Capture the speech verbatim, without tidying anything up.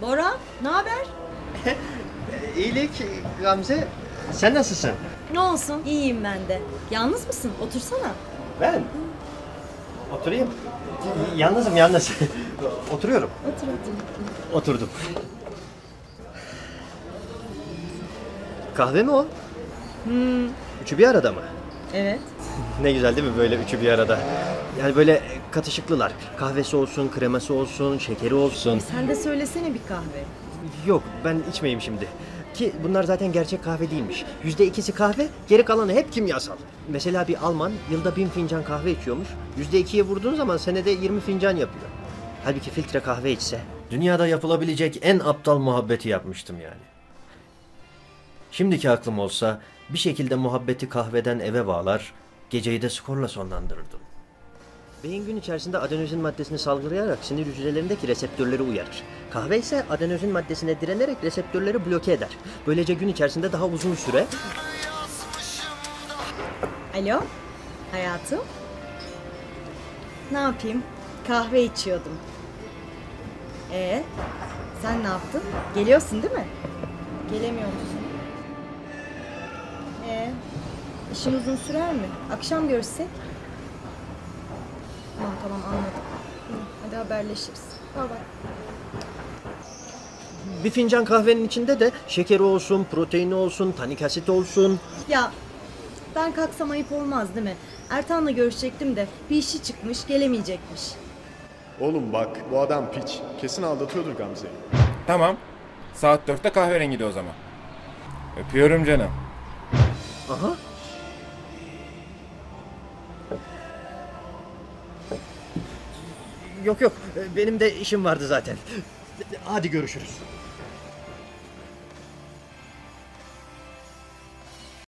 Bora, ne haber? İyilik Gamze. Sen nasılsın? Ne olsun, iyiyim ben de. Yalnız mısın? Otursana. Ben? Oturayım. Yalnızım yalnız. Oturuyorum. Otur, otur. Oturdum. Kahve mi o? Hmm, Üçü bir arada mı? evet. Ne güzel değil mi böyle üçü bir arada? Yani böyle katışıklılar. Kahvesi olsun, kreması olsun, şekeri olsun. Sen de söylesene bir kahve. Yok ben içmeyeyim şimdi. Ki bunlar zaten gerçek kahve değilmiş. Yüzde ikisi kahve, geri kalanı hep kimyasal. Mesela bir Alman yılda bin fincan kahve içiyormuş. Yüzde ikiye vurduğun zaman senede yirmi fincan yapıyor. Halbuki filtre kahve içse. Dünyada yapılabilecek en aptal muhabbeti yapmıştım yani. Şimdiki aklım olsa bir şekilde muhabbeti kahveden eve bağlar, geceyi de skorla sonlandırırdım. Beyin gün içerisinde adenozin maddesini salgılayarak sinir hücrelerindeki reseptörleri uyarır. Kahve ise adenozin maddesine direnerek reseptörleri bloke eder. Böylece gün içerisinde daha uzun süre... Alo, hayatım. Ne yapayım? Kahve içiyordum. Ee, sen ne yaptın? Geliyorsun değil mi? Gelemiyor musun? Ee, işin uzun sürer mi? Akşam görüşsek? Tamam tamam anladım. Hı, hadi haberleşiriz. Bye bye. Bir fincan kahvenin içinde de şekeri olsun, proteini olsun, tanik asit olsun. Ya ben kalksam ayıp olmaz değil mi? Ertan'la görüşecektim de bir işi çıkmış gelemeyecekmiş. Oğlum bak bu adam piç. Kesin aldatıyordur Gamze'yi. Tamam. Saat dörtte kahverengi de o zaman. Öpüyorum canım. Aha. Yok yok benim de işim vardı zaten. Hadi görüşürüz.